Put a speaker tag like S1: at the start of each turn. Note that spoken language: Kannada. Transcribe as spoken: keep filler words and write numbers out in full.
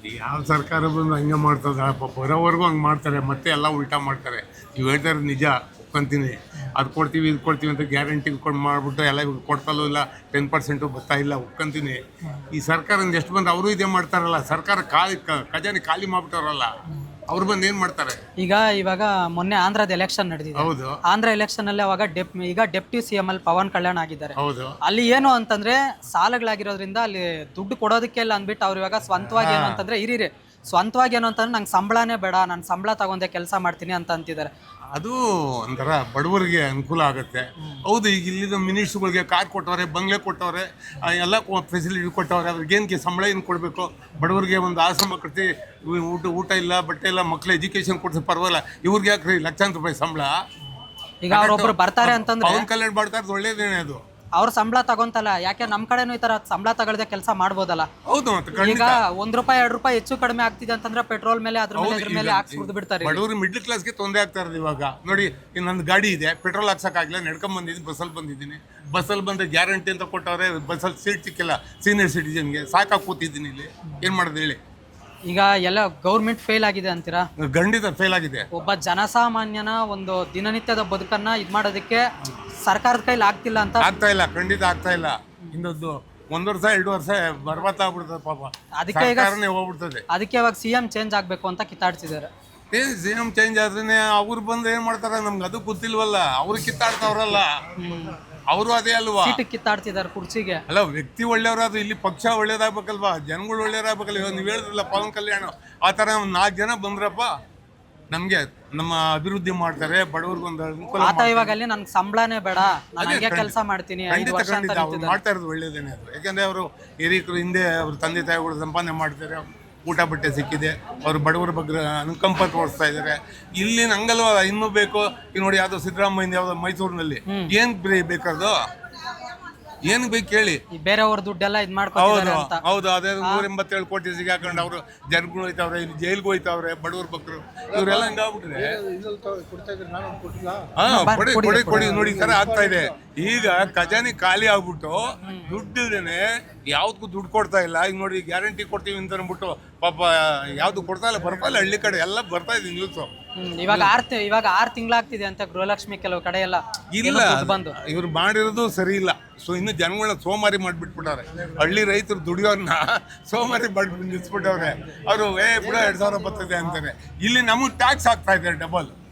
S1: ಯಾವ ಸರ್ಕಾರ ಬಂದು ಹಂಗೆ ಮಾಡ್ತದ ಬರೋವರೆಗೂ ಹಂಗೆ ಮಾಡ್ತಾರೆ, ಮತ್ತೆ ಎಲ್ಲ ಉಲ್ಟಾ ಮಾಡ್ತಾರೆ. ನೀವು ಹೇಳ್ತಾರೆ ನಿಜ ಒಪ್ಕೊಂತೀನಿ, ಅದು ಕೊಡ್ತೀವಿ ಇದು ಕೊಡ್ತೀವಿ ಅಂತ ಗ್ಯಾರಂಟಿ ಕೊಂಡು ಮಾಡಿಬಿಟ್ಟು ಎಲ್ಲ ಇವಾಗ ಕೊಡ್ತಲೂ ಇಲ್ಲ, ಟೆನ್ ಪರ್ಸೆಂಟು ಬರ್ತಾ ಇಲ್ಲ, ಒಪ್ಕೊಂತೀನಿ. ಈ ಸರ್ಕಾರದಿಂದ ಎಷ್ಟು ಬಂದು ಅವರು ಇದೇ ಮಾಡ್ತಾರಲ್ಲ, ಸರ್ಕಾರ ಖಾಲಿ ಖಜಾನೆ ಖಾಲಿ ಮಾಡ್ಬಿಟ್ಟವ್ರಲ್ಲ, ಅವ್ರು ಬಂದು ಏನು ಮಾಡ್ತಾರೆ?
S2: ಈಗ ಇವಾಗ ಮೊನ್ನೆ ಆಂಧ್ರದ ಎಲೆಕ್ಷನ್ ನಡೆದಿದೆ.
S1: ಹೌದು
S2: ಆಂಧ್ರ ಎಲೆಕ್ಷನ್ ಅಲ್ಲಿ ಅವಾಗ ಡೆಪ್ ಈಗ ಡೆಪ್ಟಿ ಸಿ ಎಂ ಅಲ್ಲಿ ಪವನ್ ಕಲ್ಯಾಣ್ ಆಗಿದ್ದಾರೆ.
S1: ಹೌದು
S2: ಅಲ್ಲಿ ಏನು ಅಂತಂದ್ರೆ ಸಾಲಗಳಾಗಿರೋದ್ರಿಂದ ಅಲ್ಲಿ ದುಡ್ಡು ಕೊಡೋದಕ್ಕೆ ಇಲ್ಲ ಅಂದ್ಬಿಟ್ಟು ಅವ್ರು ಇವಾಗ ಸ್ವಂತವಾಗಿ ಏನು ಅಂತಂದ್ರೆ ಇರೀರಿ ಸ್ವಂತವಾಗಿ ಏನು ಅಂತಂದ್ರೆ ನಂಗೆ ಸಂಬಳನೇ ಬೇಡ, ನಾನು ಸಂಬಳ ತಗೊಂಡೆ ಕೆಲಸ ಮಾಡ್ತೀನಿ ಅಂತ ಅಂತಿದ್ದಾರೆ.
S1: ಅದು ಒಂಥರ ಬಡವರಿಗೆ ಅನುಕೂಲ ಆಗುತ್ತೆ. ಹೌದು, ಈಗ ಇಲ್ಲಿದ್ದ ಮಿನಿಸ್ಟ್ರುಗಳಿಗೆ ಕಾರ್ ಕೊಟ್ಟವ್ರೆ, ಬಂಗ್ಲೆ ಕೊಟ್ಟವ್ರೆ, ಎಲ್ಲ ಫೆಸಿಲಿಟಿ ಕೊಟ್ಟವ್ರೆ, ಅವ್ರಿಗೇನಕ್ಕೆ ಸಂಬಳ ಏನು ಕೊಡಬೇಕು? ಬಡವರಿಗೆ ಒಂದು ಆಶ್ರಮ ಕಟ್ಟಿ ಊಟ ಊಟ ಇಲ್ಲ, ಬಟ್ಟೆ ಇಲ್ಲ, ಮಕ್ಳು ಎಜುಕೇಶನ್ ಕೊಡ್ಸಿ ಪರವಾಗಿಲ್ಲ, ಇವ್ರಿಗೆ ಯಾಕ್ರಿ ಲಕ್ಷಾಂತರ ರೂಪಾಯಿ ಸಂಬಳ?
S2: ಈಗ ಅವ್ರೊಬ್ರು ಬರ್ತಾರೆ ಅಂತಂದ್ರೆ
S1: ಪವನ್ ಕಲ್ಯಾಣ್ ಮಾಡ್ತಾ ಇರೋದು ಒಳ್ಳೇದೇನೆ ಅದು.
S2: ಅವ್ರ ಸಂಬಳ ತಗೊಂತಲ್ಲ, ಯಾಕೆ ನಮ್ ಕಡೆನೂ ಈ ತರ ಸಂಬಳ ತಗೊಳ್ದೆ ಕೆಲಸ ಮಾಡ್ಬೋದಲ್ಲ?
S1: ಹೌದು, ಮತ್ತೆ
S2: ಈಗ ಒಂದ್ ರೂಪಾಯಿ ಎರಡು ರೂಪಾಯಿ ಹೆಚ್ಚು ಕಡಿಮೆ ಆಗ್ತಿದೆ ಅಂತಂದ್ರೆ ಪೆಟ್ರೋಲ್ ಮೇಲೆ ಅದ್ರ ಮೇಲೆ ಅದ್ರ ಮೇಲೆ ಹಾಕಿ ಸುರಿದು ಬಿಡ್ತಾರೆ.
S1: ಬಡವರು ಮಿಡ್ಲ್ ಕ್ಲಾಸ್ಗೆ ತೊಂದರೆ ಆಗ್ತಾ ಇರೋದು ಇವಾಗ. ನೋಡಿ, ನಂದು ಗಾಡಿ ಇದೆ, ಪೆಟ್ರೋಲ್ ಹಾಕ್ಸಕ್ಕಾಗಿಲ್ಲ, ನಡ್ಕೊಂಡ್ ಬಂದಿದ್ದೀನಿ, ಬಸ್ಸಲ್ಲಿ ಬಂದಿದ್ದೀನಿ. ಬಸ್ಸಲ್ಲಿ ಬಂದ್ರೆ ಗ್ಯಾರಂಟಿ ಅಂತ ಕೊಟ್ಟವ್ರೆ, ಬಸ್ಸಲ್ಲಿ ಸೀಟ್ ಸಿಕ್ಕಿಲ್ಲ ಸೀನಿಯರ್ ಸಿಟಿಜನ್ಗೆ, ಸಾಕಾಗಿ ಕೂತಿದ್ದೀನಿ ಇಲ್ಲಿ, ಏನ್ ಮಾಡೋದು ಹೇಳಿ?
S2: ಈಗ ಎಲ್ಲ ಗೌರ್ಮೆಂಟ್ ಫೇಲ್ ಆಗಿದೆ ಅಂತೀರಾ?
S1: ಖಂಡಿತ ಫೇಲ್ ಆಗಿದೆ.
S2: ಒಬ್ಬ ಜನಸಾಮಾನ್ಯನ ಒಂದು ದಿನನಿತ್ಯದ ಬದುಕನ್ನ ಇದ್ ಮಾಡೋದಕ್ಕೆ ಸರ್ಕಾರದ ಕೈಲಿ ಆಗ್ತಿಲ್ಲ ಅಂತ.
S1: ಆಗ್ತಾ ಇಲ್ಲ, ಖಂಡಿತ ಆಗ್ತಾ ಇಲ್ಲ. ಇನ್ನೊಂದು ಒಂದ್ ವರ್ಷ ಎರಡು ವರ್ಷ ಬರ್ಬತ್ತ ಆಗ್ಬಿಡ್ತದೆ ಪಾಪ,
S2: ಅದಕ್ಕೆ ಈಗ
S1: ಸರ್ಕಾರನೇ ಹೋಗ್ಬಿಡ್ತದೆ.
S2: ಅದಕ್ಕೆ ಇವಾಗ ಸಿ ಎಂ ಚೇಂಜ್ ಆಗ್ಬೇಕು ಅಂತ ಕಿತ್ತಾಡ್ತಿದ್ದಾರೆ.
S1: ಏ ಸಿ ಎಂ ಚೇಂಜ್ ಆದ್ರೆ ಅವ್ರು ಬಂದು ಏನ್ ಮಾಡ್ತಾರೆ ನಮ್ಗೆ ಅದು ಗೊತ್ತಿಲ್ವಲ್ಲ. ಅವ್ರು ಕಿತ್ತಾಡ್ತಾವ್ರಲ್ಲ, ಅವರು ಅದೇ ಅಲ್ವಾ,
S2: ಸೀಟ್ ಕಿತ್ತಾಡ್ತಿದ್ದಾರೆ ಕುರ್ಚಿಗೆ.
S1: ಅಲ್ಲ, ವ್ಯಕ್ತಿ ಒಳ್ಳೆಯವ್ರಾದ್ರು ಇಲ್ಲಿ ಪಕ್ಷ ಒಳ್ಳೇದಾಗ್ಬೇಕಲ್ವಾ, ಜನಗಳು ಒಳ್ಳೇದಾಗ್ಬೇಕಲ್ಲ. ಇವಾಗ ನೀವು ಹೇಳಿದ್ರಲ್ಲ ಪವನ್ ಕಲ್ಯಾಣ್, ಆ ಥರ ಒಂದು ನಾಲ್ಕು ಜನ ಬಂದ್ರಪ್ಪ ನಮಗೆ ನಮ್ಮ ಅಭಿವೃದ್ಧಿ ಮಾಡ್ತಾರೆ, ಬಡವ್ರಿಗೊಂದು ಅನುಕೂಲ
S2: ಆತ ಇವಾಗ ಅಲ್ಲಿ ನನ್ಗೆ ಸಂಬಳನೇ ಬೇಡ, ನಾನು ಹಂಗೆ ಕೆಲಸ ಮಾಡ್ತೀನಿ ಐದು
S1: ಖಂಡಿತ
S2: ವರ್ಷ ಅಂತ
S1: ಖಂಡಿತ ಅವ್ರು
S2: ನಿಂತಿದ್ದಾರೆ.
S1: ಮಾಡ್ತಾ ಇರೋದು ಒಳ್ಳೇದೇನೆ ಅದು. ಯಾಕಂದ್ರೆ ಅವರು ಹಿರಿಯರು ಹಿಂದೆ ಅವ್ರ ತಂದೆ ತಾಯಿಗಳು ಸಂಪಾದನೆ ಮಾಡ್ತಾರೆ, ಊಟ ಬಟ್ಟೆ ಸಿಕ್ಕಿದೆ, ಅವರು ಬಡವರ ಬಗ್ಗೆ ಅನುಕಂಪ ತೋರಿಸ್ತಾ ಇದ್ದಾರೆ. ಇಲ್ಲಿ ಹಂಗಲ್ವ, ಇನ್ನೂ ಬೇಕು. ಈಗ ನೋಡಿ, ಯಾವ್ದೋ ಸಿದ್ದರಾಮಯ್ಯ ಯಾವ್ದೋ ಮೈಸೂರಿನಲ್ಲಿ ಏನ್ ಬೇಕಾದ್ರು ಏನ್ ಬೇಕು ಹೇಳಿ,
S2: ಈ ಬೇರೆಯವ್ರ ದುಡ್ಡೆಲ್ಲ ಇದ್ ಮಾಡ್ಕೊತಿದ್ದಾರೆ
S1: ಹೌದು
S2: ಅಂತ.
S1: ಹೌದು ಅದೇ ನೂರ ಎಂಬತ್ತೇಳು ಕೋಟಿ ಸಿಗಾಕೊಂಡು ಅವರು ಜನಗಳು ಹೋಯ್ತಾವ್ರೆ, ಇಲ್ಲಿ ಜೈಲ್ಗೆ ಹೋಯ್ತಾವ್ರೆ, ಬಡವ್ರ ಬಕ್ರು ಇವರೆಲ್ಲ ಹಂಗಾಗ್ಬಿಟ್ರೆ ಹಾ ಕೊಡಿ ಕೊಡಿ ಕೊಡಿ ನೋಡಿ, ಈ ತರ ಆಗ್ತಾ ಇದೆ. ಈಗ ಖಜಾನೆ ಖಾಲಿ ಆಗ್ಬಿಟ್ಟು ದುಡ್ಡಿಲ್ದೇನೆ ಯಾವ್ದಕ್ಕೂ ದುಡ್ಡು ಕೊಡ್ತಾ ಇಲ್ಲ. ಈಗ ನೋಡಿ, ಗ್ಯಾರಂಟಿ ಕೊಡ್ತೀವಿ ಅಂತ ಅಂದ್ಬಿಟ್ಟು ಪಾಪ ಯಾವ್ದು ಕೊಡ್ತಾ ಇಲ್ಲ, ಬರ್ತಾ ಇಲ್ಲ. ಹಳ್ಳಿ ಕಡೆ ಎಲ್ಲ ಬರ್ತಾ ಇದೆ ನ್ಯೂಸ್.
S2: ಇವಾಗ ಆರ್ ಇವಾಗ ಆರ್ ತಿಂಗಳಾಗ್ತಿದೆ ಅಂತ ಗೃಹಲಕ್ಷ್ಮಿ ಕೆಲವು ಕಡೆ ಎಲ್ಲ
S1: ಇಲ್ಲ,
S2: ಬಂದು
S1: ಇವ್ರು ಮಾಡಿರೋದು ಸರಿ ಇಲ್ಲ. ಸೊ ಇನ್ನು ಜನಗಳನ್ನ ಸೋಮಾರಿ ಮಾಡಿಬಿಟ್ಬಿಟ್ಟವ್ರೆ. ಹಳ್ಳಿ ರೈತರು ದುಡಿಯೋರ್ನ ಸೋಮಾರಿ ಮಾಡಿ ನಿಲ್ಸ್ಬಿಟ್ಟವ್ರೆ. ಅವರು ಏ ಬಿಡ ಎರಡ್ ಸಾವಿರ ಬರ್ತದೆ ಅಂತಾರೆ. ಇಲ್ಲಿ ನಮಗೆ ಟ್ಯಾಕ್ಸ್ ಆಗ್ತಾ ಇದೆ ಡಬಲ್.